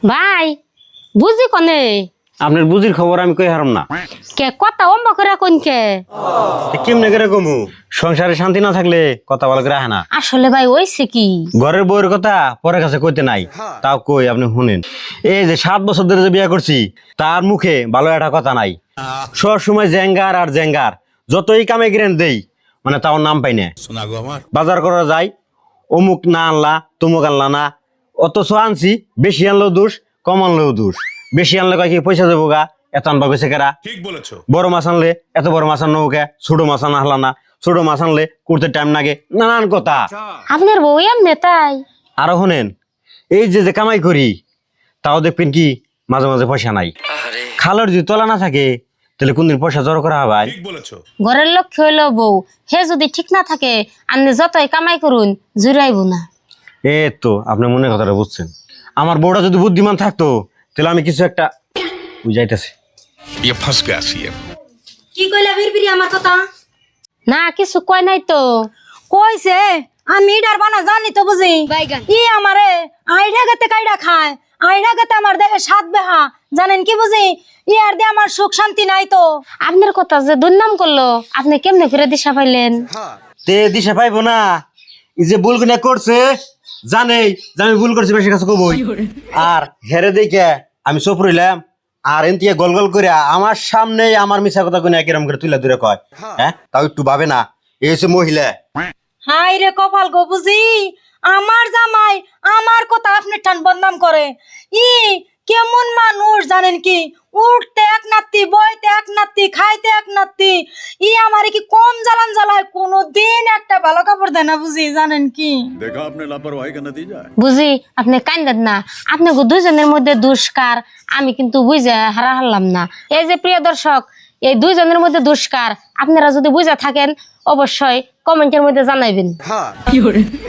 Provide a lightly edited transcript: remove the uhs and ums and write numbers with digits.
ভাই বুঝি কনে আপনার বুঝির খবর আমি কই হারাম না। কে কথা অম্বা করে কোন কে কেমনে করে কমু? সংসারে শান্তি না থাকলে কথা বলা করে আহে না। আসলে ভাই ওইছে কি ঘরের বউয়ের কথা পরের কাছে কইতে নাই, তাও কই আপনি শুনেন। এই যে 7 বছর ধরে যে বিয়ে করছি তার মুখে ভালো একটা কথা নাই। সব সময় জেঙ্গার আর জেঙ্গার, যতই কামে গ্রেন দেই মানে তাও নাম পাই না। বাজার করা যায়, অমুক না আনলা তমুক আনলা না, অথচ আনছি বেশি আনলেও দোষ কম আনলেও দোষ। বেশি আনলে কয় কি পয়সা দেবো গা, এত আনবা গেছে কেরা। ঠিক বলেছো। বড় মাছ আনলে এত বড় মাছ আনো কে, ছোট মাছ আনা হলা না, ছোট মাছ আনলে করতে টাইম লাগে, নানান কথা। আপনার বউ এমনি তাই? আরো শুনেন, এই যে যে কামাই করি তাও দেখবেন কি মাঝে মাঝে পয়সা নাই। খালের যদি তলা না থাকে তাহলে কোনদিন পয়সা জড়ো করা হবে? ঠিক বলেছো। ঘরের লক্ষ্য হইলো বউ, হে যদি ঠিক না থাকে আপনি যতই কামাই করুন জুড়াইব না। এ তো আপনি মনের কথাটা বুঝছেন। আমার বউটা যদি বুদ্ধিমান থাকতো তাহলে আমি কিছু একটা বুঝাইতেছি। ये फंस गया सीएम। কি কইলা বিরবিরি আমার কথা? না কিছু কয় নাই তো। কইছে আমি ডার বানা জানি তো বুঝি। ই আমারে আইডা গতে কাইডা খায়, আইডা গতে আমার দেহে সাত বেহা, জানেন কি বুঝি? ই আর দিয়ে আমার সুখ শান্তি নাই তো। আপনার কথা যে দুর্নাম করলো আপনি কেমনে করে দিশা পাইলেন? তে দিশা পাইবো না? এই যে ভুল কিনা করছে জানেই যে আমি ভুল করছি, বেশি কাছে কবই। আর হেরে দেখে আমি চুপ রইলাম, আর এনতিয়ে গল গল করে আমার সামনে আমার মিছা কথা কোন একরকম করে তুলে দূরে কয়। হ্যাঁ, তাও একটু ভাবে না, এই হচ্ছে মহিলা। হাই রে কপাল গো বুঝি, আমার জামাই আমার কথা আপনি টান বদনাম করে। ই কেমন মানুষ জানেন কি? উঠতে এক নাত্তি, বইতে এক নাত্তি, খাইতে এক নাত্তি। ই আমারে কি কম জ্বালান জ্বালায়, কোনোদিন একটা ভালো কাপড় দেয় না বুঝি, জানেন কি? देखा आपने लापरवाही का नतीजा है। বুঝি আপনি কান্দেন না, আপনাকে দুজনের মধ্যে দুষ্কার আমি কিন্তু বুঝে হারা হারলাম না। এই যে প্রিয় দর্শক, এই দুইজনের মধ্যে দুষ্কার আপনারা যদি বুঝে থাকেন অবশ্যই কমেন্টের মধ্যে জানাইবেন।